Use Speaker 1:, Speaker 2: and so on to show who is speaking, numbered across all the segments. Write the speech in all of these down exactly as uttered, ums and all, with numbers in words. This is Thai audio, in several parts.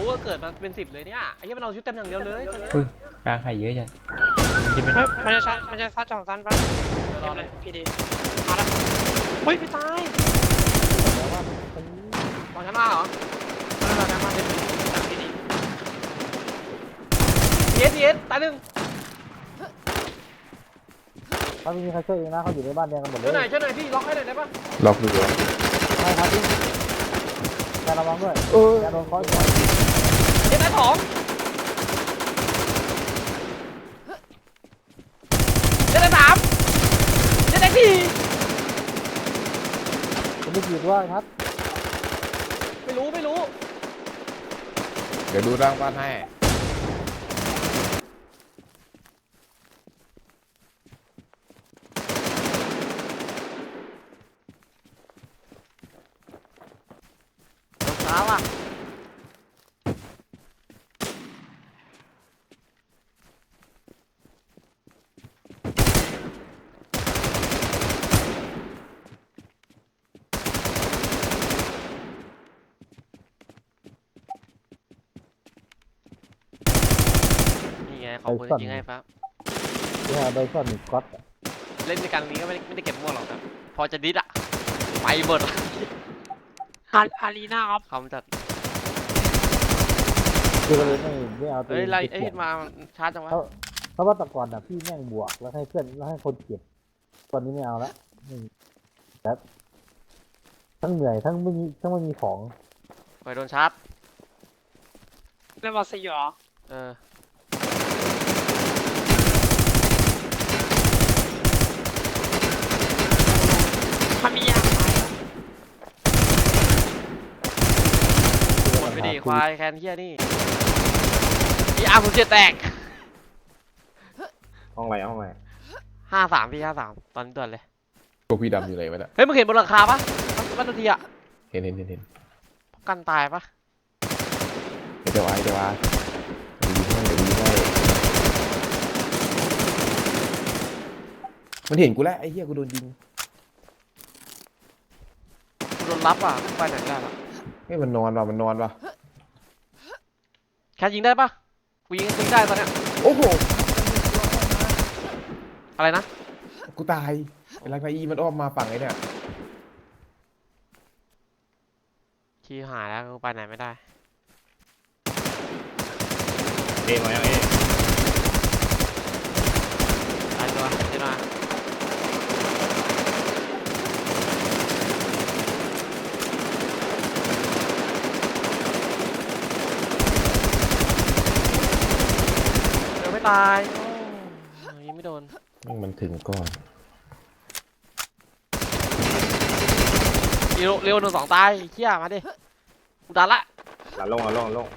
Speaker 1: ก็เกิดมาเป็นสิบเลยเนี่ยไอ้เหี้ยมันเอาชุดเต็มอย่างเดียวเลยตอนนี้
Speaker 2: อุ้ยกลางไข่เยอะจังจะเป็น
Speaker 3: เฮ้ยมันจะซัดมันจะซัดสองซันปะรอเลยพี่ดีมาแล้วเฮ้ยไม่ตาย
Speaker 1: มองชั้นล่างเหรอ
Speaker 3: ไม่เป็นไรนะมาเป็นจากพี่ดี
Speaker 1: เอสเอสตายหนึ่ง
Speaker 4: ถ้าไม่มีใครช่วยเองนะเขาอยู่ในบ้านแดงกันหมดเล
Speaker 1: ช่วย ยหน่อยช่วยหน่อยพี่ล็อกให้หน่อยได้ปะ
Speaker 5: ล็อกอยู่เลย
Speaker 4: ใช่ครับพี่แกระวังด้วยแกโดนเคาะอยู่
Speaker 1: เอสตายสองเอสตายสามเอสตายสี่
Speaker 4: คุณไม่กี่ตัวครับ
Speaker 1: ไม่รู้ไม่รู้
Speaker 5: เดี๋ยวดูร่างบ้านให้
Speaker 1: รองเท้าอ่ะนี่ไงขอบคุณจริงๆให้ครับ
Speaker 4: เนี่ยโดยส่วนหนึ่งก๊อต
Speaker 1: เล่นในการนี้ก็ไม่ได้ไม่ได้เก็บมั่วหรอกครับพอจะดิสอะไปหมด
Speaker 3: อาอารีนาครับ
Speaker 1: คำจัด
Speaker 4: คือเลยไม่ไม่เอาตัว
Speaker 1: เอ้ยไล่
Speaker 4: เก็
Speaker 1: เอ้ย
Speaker 4: บ
Speaker 1: มาชาร์จจังวะ
Speaker 4: เพราะเพราะว่าแต่ก่อนน่ะพี่แม่งบวกแล้วให้เพื่อนแล้วให้คนเก็บตอนนี้ไม่เอาละครับทั้งเหนื่อยทั้งไม่มีทั้งไม่มีของ
Speaker 1: ไปโดนชาร์จ
Speaker 3: เล่นบอลซีเหรอ
Speaker 1: เออ
Speaker 3: มันมียางไหม
Speaker 1: หมดไปดิควายแคนเฮียนี่อีอาร์ผมเจ็ดแตก
Speaker 5: ห้องอะไรห้องอะไร
Speaker 1: ห้าสามพี่ห้าสามตอนนี้ด่วนเลย
Speaker 5: พวกพี่ดำอยู่ไหนวะเนี่ย
Speaker 1: เฮ้ยมึงเห็นบนหลังคาปะบ้านนาทีอะ
Speaker 5: เห็นเห็นเห็นเห็น
Speaker 1: กันตายปะ
Speaker 5: เดี๋ยวไว้เดี๋ยวไว้ดีให้เดี๋ยวดีให้มันเห็นกูแล้วไอ้เหี้ยกูโดนยิง
Speaker 1: กูโดนรับอ่ะไปไหนไม่ได้แล้ว
Speaker 5: เฮ้ยมันนอนว่ะมันนอนว่ะ
Speaker 1: แคนยิงได้ปะกูยิงยิงได้ตอนเนี้ย
Speaker 5: โอ้โห
Speaker 1: อะไรนะ
Speaker 5: กูตายไอ้ลักนาอีมันอ้อมมาฝั่งไอ้เนี่ย
Speaker 1: ชี้หายแล้วกูไปไหนไม่ได้
Speaker 5: เอ็มายังเอ็
Speaker 1: ตายตัวเจ๊หน่อยเดี๋ยวไม่ตายโอ้ยิงไม่โดน
Speaker 5: มันถึงก่อน
Speaker 1: เร็วเร็วหนึ่งสองตายเชี่ยมาดิกูดันละ
Speaker 5: หลังลงหลังลงลง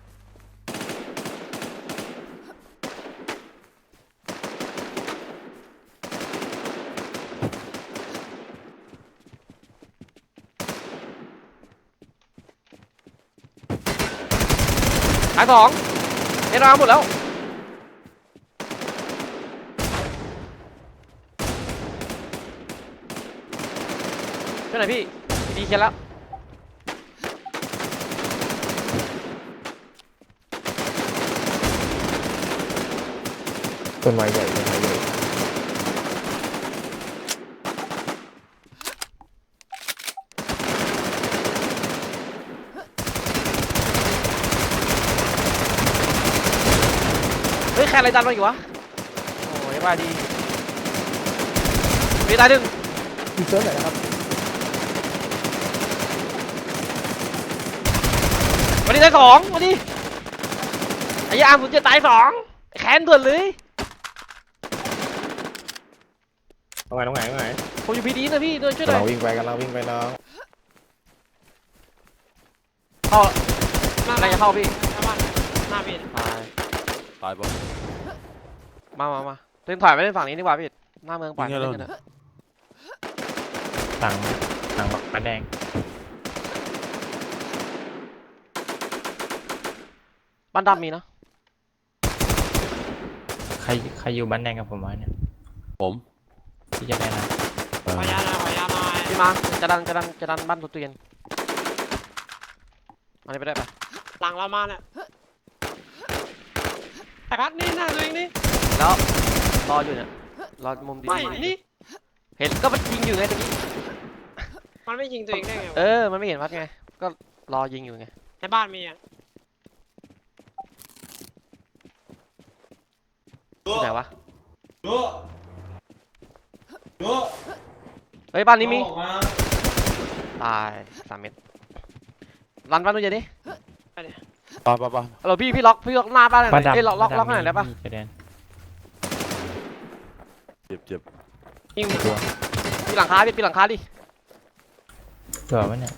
Speaker 1: ตายสองเอ็นอาร์หมดแล้วช่วยหน่อยพี่พี่ดีเคียนแล้ว
Speaker 5: ต้นไม้ใหญ่ต้นไม้ใหญ่
Speaker 1: เฮ้ยแค่อะไรดันมาอีกวะโอ้ยมาดีมีตายหนึ่ง
Speaker 4: พี่เซิร์ฟไหนนะครับ
Speaker 1: วันนี้ตายสองวันนี้ไอ้ยาผมจะตายสองแขนด่วนเลย
Speaker 5: ตรงไหนตรงไหนตรงไหน
Speaker 1: ผมอยู่พีดีนะพี่ด้วยช่วยหน่
Speaker 5: กำ
Speaker 1: อ
Speaker 5: ลั
Speaker 1: ย
Speaker 5: งวิ่งไปกำลังวิ่งไปน้อง
Speaker 1: เข้า
Speaker 3: หน้า
Speaker 1: อะไรจะเข้าพี่
Speaker 3: หน้าบ้านหน้าพี่
Speaker 1: ตายตายปะมามามาเล่นถอยไปเล่นฝั่งนี้ดีกว่าพี่หน้าเมืองปล่อยเล่นกันเถอะ
Speaker 2: สั่งสั่งบันแดง
Speaker 1: บ้านดำมีนะ
Speaker 2: ใครใครอยู่บันแดงกับผมวะเนี่ย
Speaker 5: ผม
Speaker 2: ที่จะได้นะ
Speaker 3: ขออนุญาตนะขออนุญาตหน่อย
Speaker 1: พี่มาจะดันจะดันจะดันบ้านตัวเตียนมาเลยไปได้ปะ
Speaker 3: หลังเรามาเนี่ยไอ้พัดนี่หน้าตัวเองนี่
Speaker 1: แล้วรออยู่เนี่ยรอมุมดี
Speaker 3: ไม่นี่
Speaker 1: เห็นก็มันยิงอยู่ไงตะกี้
Speaker 3: มันไม่ยิงตัวเองได้ไง
Speaker 1: เอ
Speaker 3: วะ
Speaker 1: อมันไม่เห็นพัดไงก็รอยิงอยู่ไง
Speaker 3: ในบ้านมีอ่ะ
Speaker 1: ที่ไหนวะเฮ้ยบ้านนี้มีตายสามเม็ดรันบ้านนู้นเดี๋ยวดิ
Speaker 3: ไปเลย
Speaker 5: ปะปะปะ
Speaker 1: ฮัลโหลพี่พี่ล็อกพี่ล็อกหน้าบ้านหน่อย
Speaker 2: บ้านดำ
Speaker 1: เอ้ยล็อกล็อก
Speaker 2: บ้าน
Speaker 1: ล็อก
Speaker 2: ดำ
Speaker 1: หน่อยได้ปะ
Speaker 2: มีชายแดน
Speaker 5: เจ็บเจ็บ
Speaker 3: ยิง
Speaker 2: ตัว
Speaker 1: ปีหลังคาพี่ปีหลังคาดิ
Speaker 2: ตัววะเนี่ย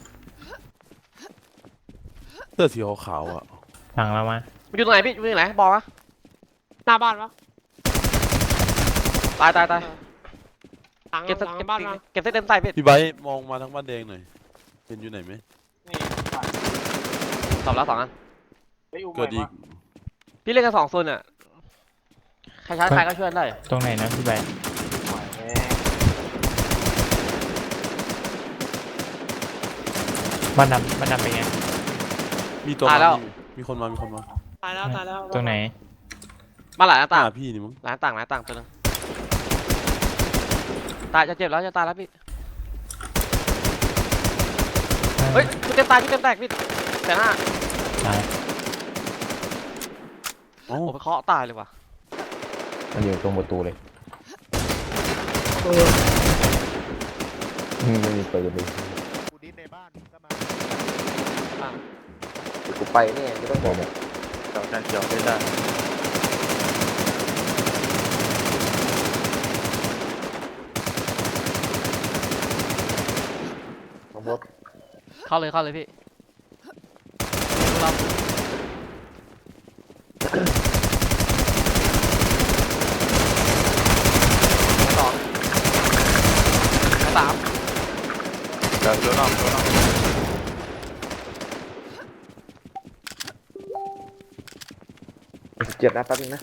Speaker 5: เสื้อสีขาวๆอ่ะ
Speaker 2: หลังเรามา
Speaker 1: มันอยู่ตรงไหนพี่อยู่ตรงไหนบอกวะ
Speaker 3: หน้าบ้านปะ
Speaker 1: ตายตายตาย
Speaker 3: หลัง
Speaker 1: เก็บ
Speaker 3: ห
Speaker 1: สัก
Speaker 3: ลัง
Speaker 1: เก็บ
Speaker 3: บ้านมา
Speaker 1: เก็บเส้นเต็มใส่พี่
Speaker 5: พี่ไบร์ทมองมาทั้งบ้านแดงหน่อยเห็นอยู่ไหนไหม
Speaker 3: นี่
Speaker 1: ตอบแล้วสองอัน
Speaker 5: เกิดอีก
Speaker 1: พี่เล่นกันสองโซนอ่ะใครช้าใครก็ช่วยได้
Speaker 2: ตรงไหนนะพี่ใบบ้านดำบ้านดำเป็นไง
Speaker 5: มีตัวมามีมีคนมามีคนมา
Speaker 3: ตายแล้วตายแล้ว
Speaker 2: ตรงไหน
Speaker 1: มาหลายหน้าต่าง
Speaker 5: หน้าพี่นี่มั้ง
Speaker 1: หลายหน้าต่างหลายหน้าต่างตัวนึงตายจะเจ็บแล้วจะตายแล้วพี่เฮ้ยชุดเต็มตายชุดเต็มแตกพี่แต่หน้า
Speaker 2: ตาย
Speaker 5: เอ้า
Speaker 1: โอ้ไปเคาะตายเลยว่ะ
Speaker 5: มันอยู่ตรงประตูเลยไม่มีปืนเลย
Speaker 6: กูดิ้นในบ้านก็มา
Speaker 5: กูไปเนี่ยไม่ต้องบอกเนี่ย
Speaker 6: เราการเกี่ยวไม่ได้
Speaker 5: น้องมด
Speaker 1: เข้าเลยเข้าเลยพี่เราสองสาม
Speaker 6: เดี๋ยวดูน้องดูน้อง
Speaker 5: เจ็บนะแป๊บนึงนะ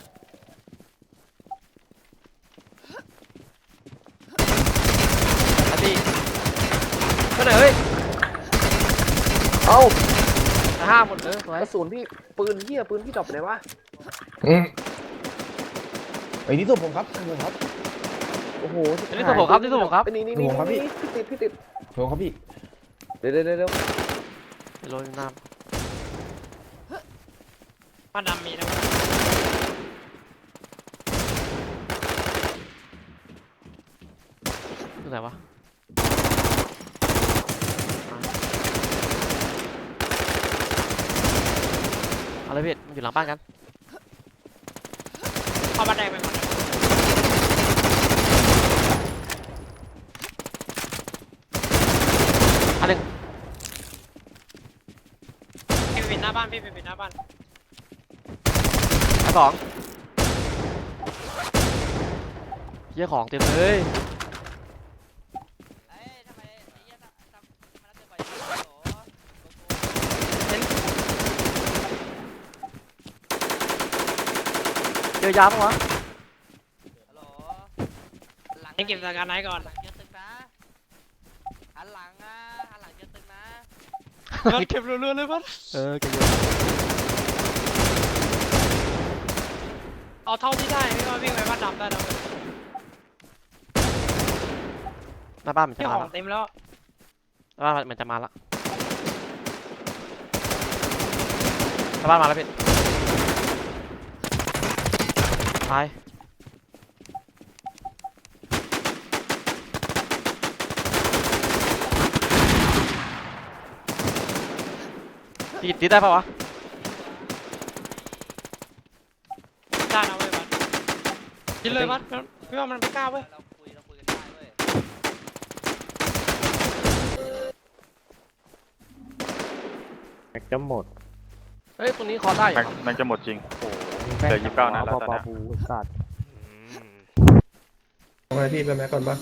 Speaker 1: อาทีเท่าไหร่เฮ้ย
Speaker 5: เอ้า
Speaker 1: ห้าหมดเออสวย
Speaker 5: กระสุนพี่ปืนเหี้ยปืนพี่ดรอปไปไหนวะไอ้นี่ตัวผมครับตัวผมครับโอ้โห
Speaker 1: นี่ตัวผมครับนี่ตัวผมครับ
Speaker 5: นี่นี่นี่พี่ติดพี่ติดตัวครับพี่เดี๋ยวเดี๋ยวเดี๋ยว
Speaker 1: ไปโรยน้
Speaker 3: บ้านดำมีนะ
Speaker 1: ำที่ไหนวะเอาเลยพี่มันอยู่หลังบ้านกัน
Speaker 3: เข้าบ้านแดงไปก่อน
Speaker 1: อันหนึ่ง
Speaker 3: พี่ไปปิดหน้าบ้านพี่ไปปิดหน้าบ้าน
Speaker 1: อันสองเยี่ยของเต็มเลยเจอยาปะวะ
Speaker 3: ให้เก็บสถานการณ์ไหนก่อน
Speaker 7: เจอตึกนะหันหลังนะหันหลังเจอตึกนะ
Speaker 3: รถเก็บรัวๆเลยพัด
Speaker 1: เออเก็บเยอะ
Speaker 3: เอาเท่าที่ได้ไม่ว่าวิ่งไปบ้านดำได้แล้ว
Speaker 1: หน้าบ้านเหมือนจะ
Speaker 3: พี่
Speaker 1: มา
Speaker 3: ขอ
Speaker 1: ละ
Speaker 3: งเต็มแล้ว
Speaker 1: หน้าบ้านเหมือนจะมาละหน้าบ้านมาแล้วพี่ตายตีตีได้ปะวะ
Speaker 3: ได้นะเว้ยพัดกินเลยพัดพี่ว่ามันไม่กล้าเว้ย
Speaker 7: เราคุยเราคุยกันได้เว้ย
Speaker 6: แม็กจะหมด
Speaker 1: เฮ้ยตรงนี้คอได้อยู่
Speaker 6: แม็ก
Speaker 1: วะ
Speaker 6: แม็กจะหมดจริงเหลือยี่สิบเก้านัดแล้วตอนนี้
Speaker 4: สัตว์
Speaker 8: เอาไงพี่ไปแม็กก่อนปะ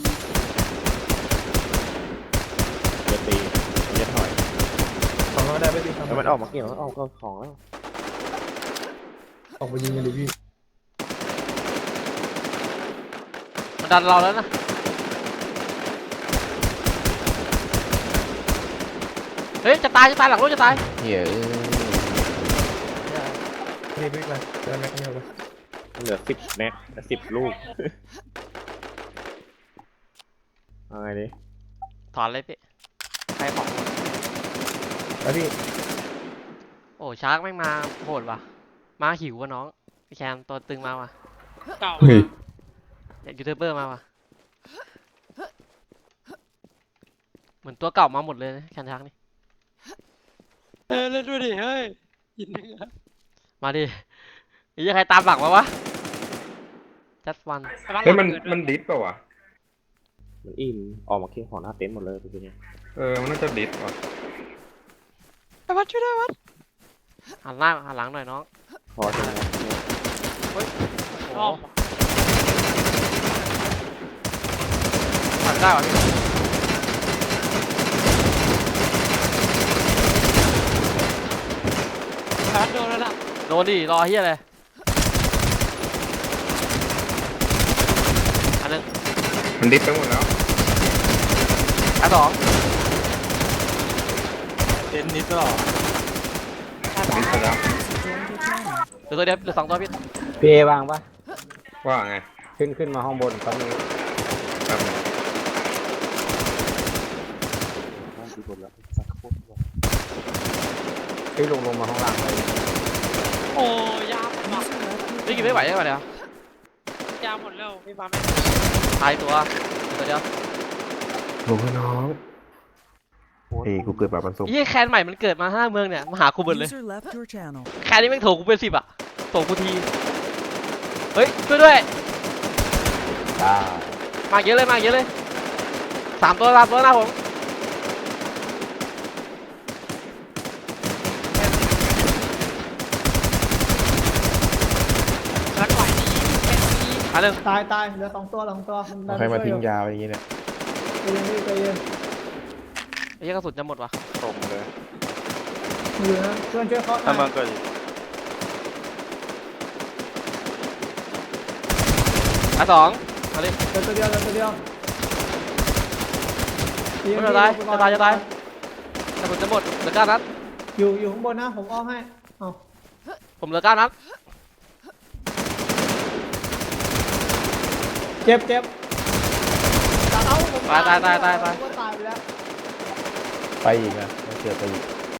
Speaker 6: จะตีจะถอย
Speaker 8: สองร้อยได้ไหมพี่
Speaker 5: แล้วมันออกมาเกี่ยวออกก็ของแล้ว
Speaker 8: ออกไปยิงกันดิพี่
Speaker 1: มันดันเราแล้วนะเฮ้ยจะตายจะตายหลังรถจะตาย
Speaker 5: เหี้ย
Speaker 1: เ
Speaker 8: พี่พี่ไปได้แม็กไม่เอาไป
Speaker 6: เหลือสิบแม็กสิบลูกเอาไงดิ
Speaker 1: ถอนเลยพี่ใครของ
Speaker 8: แล้วพี่
Speaker 1: โอ้ชาร์กแม่งมาโหดว่ะมาหิววะน้องพี่แคมตัวตึงมาว่ะ
Speaker 3: เก่า
Speaker 5: เฮ้ย
Speaker 1: เด็กยูทูบเบอร์มาว่ะเหมือนตัวเก่ามาหมดเลยนะแคนชาร์กนี่
Speaker 3: เออเล่นด้วยดิเฮ้ยยินดีครับ
Speaker 1: มาดิไอ้เหี้ยใครตามหลังมาวะจัดวัน
Speaker 6: เฮ้ยมันมันดิสเปล่าวะมันอิ่มออกมาเคียงของหน้าเต็นท์หมดเลยเป็นไงเออมันน่าจะดิสว่ะ
Speaker 3: ไอ้วัดช่วยด้วยวัด
Speaker 1: หันหน้าหันหลังหน่อยน้อง
Speaker 6: พอจะนะ
Speaker 3: อ้อม
Speaker 1: หันได้วะพี่
Speaker 3: แพทโดนแล้วล่ะ
Speaker 1: โดนดิรอเฮียเลยอันหนึง
Speaker 6: มันดิสไปหมดแล้ว
Speaker 1: อันสอง
Speaker 6: เต็นท์นิดหรอ
Speaker 3: แพท
Speaker 6: ดิสไปแล้ว
Speaker 1: เหลือตัวเดียวเหลือสองตัวพี่
Speaker 4: พี่เอวางปะ
Speaker 6: ว่าไง
Speaker 4: ขึ้นขึ้นมาห้องบนตอนนี้
Speaker 6: ครับ
Speaker 4: พี่ลงลงมาห้องล่างเลย
Speaker 3: โอ้ยาหมดว่ะ
Speaker 1: พี่กินไม่ไหวใช่ป่ะเดี๋ยวย
Speaker 3: าหมดแล้วพี่บาไม่
Speaker 1: ตายตัวเหลือตัวเดียว
Speaker 5: หลงน้องเฮ้ยกูเกิดแบบมันสุก
Speaker 1: ยี่แคนใหม่มันเกิดมาห้าเมืองเนี่ยมาหากูหมดเลย
Speaker 9: User left your channel.
Speaker 1: แคนนี้แม่งโถกูเป็นสิบอะโถกูทีเฮ้ยช่วยด้วย
Speaker 4: จ้า
Speaker 1: มาเยอะเลยมาเยอะเลยสามตัวสามตัวหน้าผม
Speaker 3: รักไหวดีแค่นี้
Speaker 1: อันหนึ่ง
Speaker 10: ตายตายเหลือสองตัวสองตัวนดัน
Speaker 5: ใครมา
Speaker 10: ช่วย
Speaker 5: ทิ้ง
Speaker 10: อยู่
Speaker 5: ยาไปอย่างงี้เนี่ย
Speaker 10: ใจเย็นพี่ใจเย็น
Speaker 1: ไอ้เหี้ยกระสุนจะหมดวะ
Speaker 6: ตรงเลย
Speaker 10: อยู่นะเพื่อนช่วยเคาะหน่
Speaker 6: ถ้ามั
Speaker 10: อน ย
Speaker 6: เกิด
Speaker 1: อันสองมาดิ
Speaker 10: เหลือตัวเดียวเหลือตัวเดียว
Speaker 1: ไม่เป็นไรจะตายจะตายกระสุนจะหมดเหลือเก้านัด
Speaker 10: อยู่อยู่ข้างบนนะผมอ้อมให้เอา
Speaker 1: ผมเหลือเก้านัด
Speaker 10: เจ็บเจ็บเอาผม
Speaker 1: ตายตายตายตายตาย
Speaker 10: ผมก็ตายไปแล้ว
Speaker 5: ไปอีกนะมันเกิดไปอีก